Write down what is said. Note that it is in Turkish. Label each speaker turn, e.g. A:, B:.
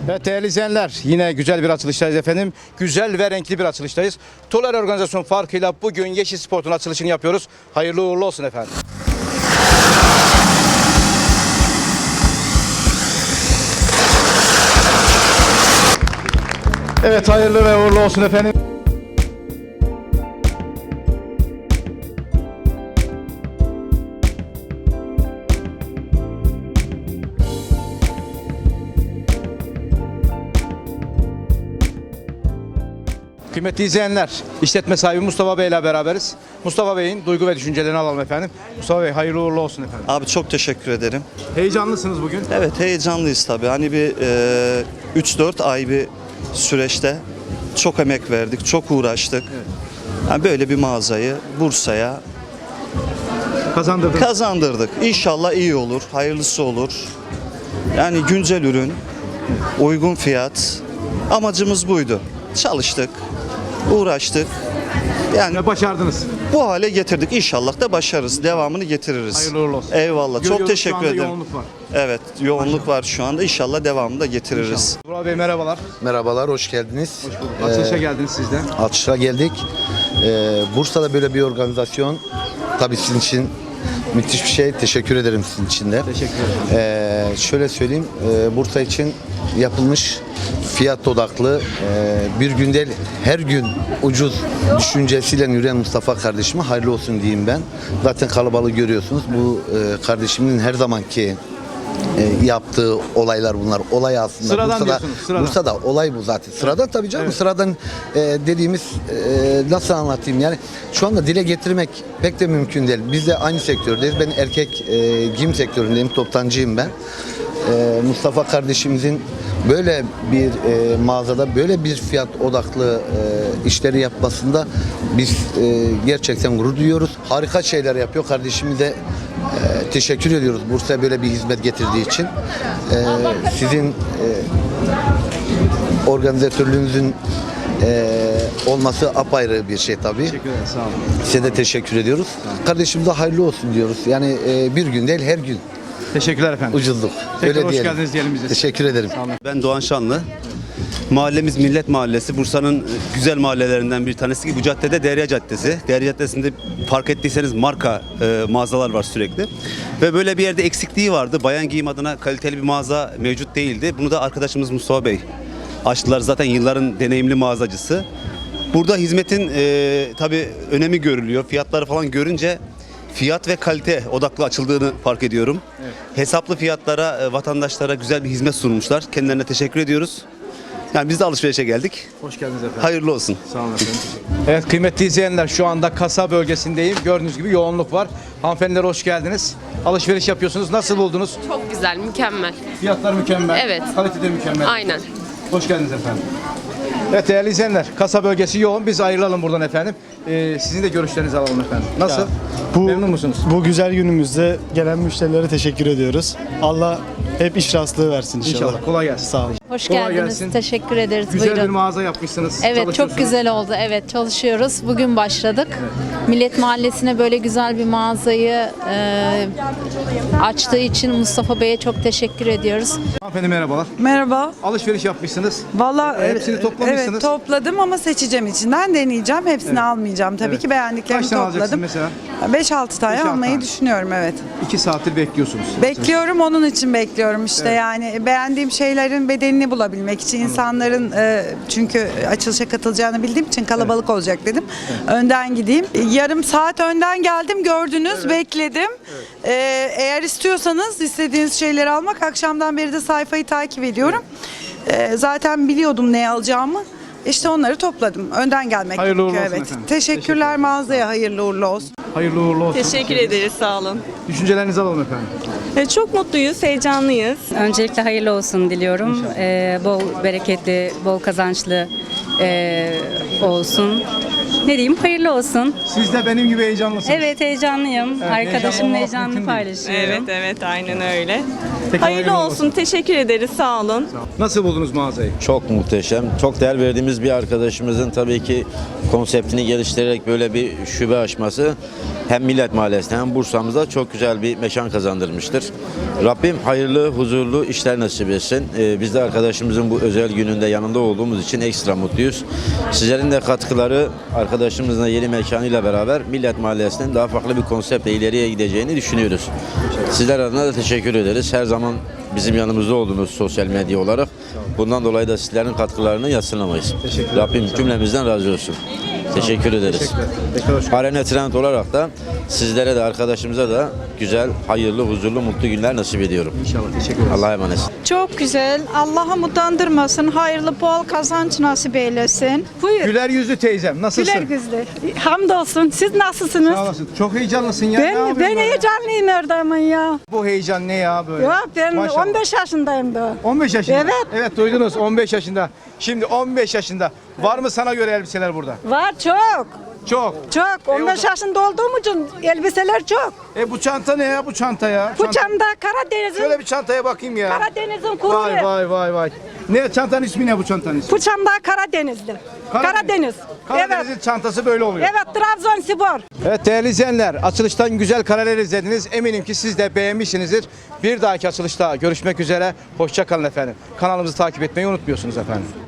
A: Evet değerli izleyenler, yine güzel bir açılıştayız efendim. Güzel ve renkli bir açılıştayız. Toler Organizasyon farkıyla bugün Yeşil Sport'un açılışını yapıyoruz. Hayırlı uğurlu olsun efendim. Evet hayırlı ve uğurlu olsun efendim. Kıymetli izleyenler, işletme sahibi Mustafa Bey ile beraberiz. Mustafa Bey'in duygu ve düşüncelerini alalım efendim. Mustafa Bey hayırlı uğurlu olsun efendim.
B: Abi çok teşekkür ederim.
A: Heyecanlısınız bugün.
B: Evet heyecanlıyız tabii. Hani bir 3-4 ay bir süreçte çok emek verdik, çok uğraştık.
A: Evet.
B: Yani böyle bir mağazayı Bursa'ya
A: Kazandırdınız.
B: kazandırdık. İnşallah iyi olur, hayırlısı olur. Yani güncel ürün, uygun fiyat. Amacımız buydu. Çalıştık, uğraştık. Yani
A: Ve başardınız.
B: bu hale getirdik. İnşallah da başarırız. Devamını getiririz.
A: Hayırlı uğurlu olsun.
B: Eyvallah.
A: Görüyoruz,
B: Çok
A: şu
B: teşekkür
A: anda
B: ederim.
A: yoğunluk var.
B: Evet, yoğunluk var şu anda. İnşallah devamını da getiririz.
A: Burak Bey merhabalar.
C: Merhabalar, hoş geldiniz.
A: Hoş bulduk. Açılışa geldiniz siz de.
C: Açışa geldik. Bursa'da böyle bir organizasyon tabii sizin için müthiş bir şey. Teşekkür ederim sizin için de.
A: Teşekkür ederim.
C: Şöyle söyleyeyim, Bursa için yapılmış fiyat odaklı, bir gün değil her gün ucuz düşüncesiyle yürüyen Mustafa kardeşime hayırlı olsun diyeyim ben. Zaten kalabalığı görüyorsunuz. Bu kardeşimin her zamanki yaptığı olaylar bunlar. Olay aslında
A: Sıradan diyorsunuz, sıradan.
C: Bursa'da olay bu zaten. Sıradan tabii canım.
A: Evet.
C: Sıradan dediğimiz nasıl anlatayım yani şu anda dile getirmek pek de mümkün değil. Biz de aynı sektördeyiz. Ben erkek giyim sektöründeyim. Toptancıyım ben. Mustafa kardeşimizin böyle bir mağazada böyle bir fiyat odaklı işleri yapmasında biz gerçekten gurur duyuyoruz. Harika şeyler yapıyor. Kardeşimize teşekkür ediyoruz Bursa'ya böyle bir hizmet getirdiği için. Sizin organizatörlüğünüzün olması apayrı bir şey tabii.
A: Teşekkür ederim. Sağ olun.
C: Size de teşekkür ediyoruz. Kardeşimize hayırlı olsun diyoruz. Yani bir gün değil her gün
A: Teşekkürler efendim.
C: ucuzluk.
A: Tekrar hoş
C: diyelim.
A: geldiniz diyelim bize.
C: Teşekkür ederim.
D: Ben Doğan Şanlı. Mahallemiz Millet Mahallesi. Bursa'nın güzel mahallelerinden bir tanesi ki bu caddede Derya Caddesi. Derya Caddesi'nde fark ettiyseniz marka mağazalar var sürekli. Ve böyle bir yerde eksikliği vardı. Bayan giyim adına kaliteli bir mağaza mevcut değildi. Bunu da arkadaşımız Mustafa Bey açtılar. Zaten yılların deneyimli mağazacısı. Burada hizmetin tabii önemi görülüyor. Fiyatları falan görünce fiyat ve kalite odaklı açıldığını fark ediyorum.
A: Evet.
D: Hesaplı fiyatlara, vatandaşlara güzel bir hizmet sunmuşlar. Kendilerine teşekkür ediyoruz. Yani biz de alışverişe geldik.
A: Hoş geldiniz efendim.
D: Hayırlı olsun.
A: Sağ olun efendim. Evet kıymetli izleyenler, şu anda kasa bölgesindeyim. Gördüğünüz gibi yoğunluk var. Hanımefendiler hoş geldiniz. Alışveriş yapıyorsunuz. Nasıl buldunuz?
E: Çok güzel, mükemmel.
A: Fiyatlar mükemmel.
E: Evet.
A: Kalite de mükemmel.
E: Aynen.
A: Hoş geldiniz efendim. Evet değerli izleyenler, kasa bölgesi yoğun. Biz ayrılalım buradan efendim. Sizin de görüşlerinizi alalım efendim. Nasıl? Memnun musunuz?
F: Bu güzel günümüzde gelen müşterilere teşekkür ediyoruz. Allah hep iş rastlığı versin inşallah.
A: İnşallah. Kolay gelsin.
F: Sağ olun.
G: Hoş
A: Kolay
G: geldiniz.
A: gelsin.
G: Teşekkür ederiz.
A: Güzel bir
G: Buyurun.
A: mağaza yapmışsınız.
G: Evet, çok
A: çalışıyorsunuz.
G: güzel oldu. Evet, çalışıyoruz. Bugün başladık. Millet Mahallesi'ne böyle güzel bir mağazayı açtığı için Mustafa Bey'e çok teşekkür ediyoruz.
A: Hanımefendi merhabalar.
H: Merhaba.
A: Alışveriş yapmışsınız.
H: Vallahi
A: Hepsini toplamışsınız.
H: Evet, topladım ama seçeceğim içinden, deneyeceğim. Hepsini almayacağım tabii
A: Evet.
H: ki. Beğendiklerimi
A: Kaç tane alacaksın
H: topladım.
A: mesela?
H: 5-6 tane
A: 5-6
H: almayı
A: tane.
H: düşünüyorum, evet.
A: 2 saattir bekliyorsunuz.
H: Bekliyorum, onun için bekliyorum işte.
A: Evet.
H: Yani beğendiğim şeylerin bedenini bulabilmek için insanların çünkü açılışa katılacağını bildiğim için kalabalık olacak dedim. Önden gideyim. Yarım saat önden geldim, gördünüz, bekledim. Eğer istiyorsanız istediğiniz şeyleri almak, akşamdan beri de sayfayı takip ediyorum. Zaten biliyordum ne alacağımı. İşte onları topladım. Önden gelmek
A: Hayırlı uğurlu
H: gerekiyor,
A: olsun
H: evet.
A: efendim.
H: Teşekkürler mağazaya, hayırlı uğurlu olsun.
A: Hayırlı uğurlu olsun.
I: Teşekkür ederiz, sağ olun.
A: Düşüncelerinizi alalım efendim.
I: Çok mutluyuz, heyecanlıyız.
J: Öncelikle hayırlı olsun diliyorum. Bol bereketli, bol kazançlı olsun. Ne diyeyim? Hayırlı olsun.
A: Siz de benim gibi heyecanlısınız.
J: Evet, heyecanlıyım.
A: heyecanlı
J: Arkadaşımla
A: olmak
J: heyecanını
A: mümkün değil.
J: paylaşıyorum.
I: Evet aynen öyle.
A: Peki,
I: Hayırlı olsun. Teşekkür ederiz. Sağ olun.
A: Nasıl buldunuz mağazayı?
E: Çok muhteşem. Çok değer verdiğimiz bir arkadaşımızın tabii ki konseptini geliştirerek böyle bir şube açması hem Millet Mahallesi'nde hem Bursa'mızda çok güzel bir mekan kazandırmıştır. Rabbim hayırlı, huzurlu işler nasip etsin. Biz de arkadaşımızın bu özel gününde yanında olduğumuz için ekstra mutluyuz. Sizlerin de katkıları arkadaşımızın yeni mekanıyla beraber Millet Mahallesi'nin daha farklı bir konseptle ileriye gideceğini düşünüyoruz. Sizler adına da teşekkür ederiz. Her zaman bizim yanımızda oldunuz sosyal medya olarak. Bundan dolayı da sizlerin katkılarını yadsınamayız. Rabbim cümlemizden razı olsun. Teşekkür ederiz. Arena Trend olarak da sizlere de arkadaşımıza da güzel, hayırlı, huzurlu, mutlu günler nasip ediyorum.
A: İnşallah. Teşekkür ederiz.
E: Allah'a emanet.
K: Çok güzel. Allah'ım utandırmasın. Hayırlı bol kazanç nasip eylesin. Buyur.
A: Güler yüzlü teyzem. Nasılsın?
K: Güler yüzlü. Hamdolsun. Siz nasılsınız?
A: Sağ olasın. Çok heyecanlısın ya. Ne
K: Ben
A: yapıyorsun böyle?
K: heyecanlıyım Erdem'in ya.
A: Bu heyecan ne ya böyle?
K: Yok ben
A: Maşallah.
K: 15 yaşındayım da.
A: 15 yaşında.
K: Evet.
A: Evet duydunuz 15 yaşında. Şimdi 15 yaşında. Var mı sana göre elbiseler burada?
K: Var çok.
A: Çok.
K: Çok. 15 yaşında olduğum için elbiseler çok.
A: Bu çanta ne ya bu çanta ya?
K: Bu çanta Karadeniz'in
A: Şöyle bir çantaya bakayım ya.
K: Karadeniz'in kuru.
A: Vay. Ne çantanın ismi ne bu çantanın ismi?
K: Bu çanta Karadeniz'de. Karadeniz.
A: Karadeniz'in çantası böyle oluyor.
K: Evet Trabzonspor.
A: Evet değerli izleyenler, açılıştan güzel kareler izlediniz. Eminim ki siz de beğenmişsinizdir. Bir dahaki açılışta görüşmek üzere. Hoşça kalın efendim. Kanalımızı takip etmeyi unutmuyorsunuz efendim.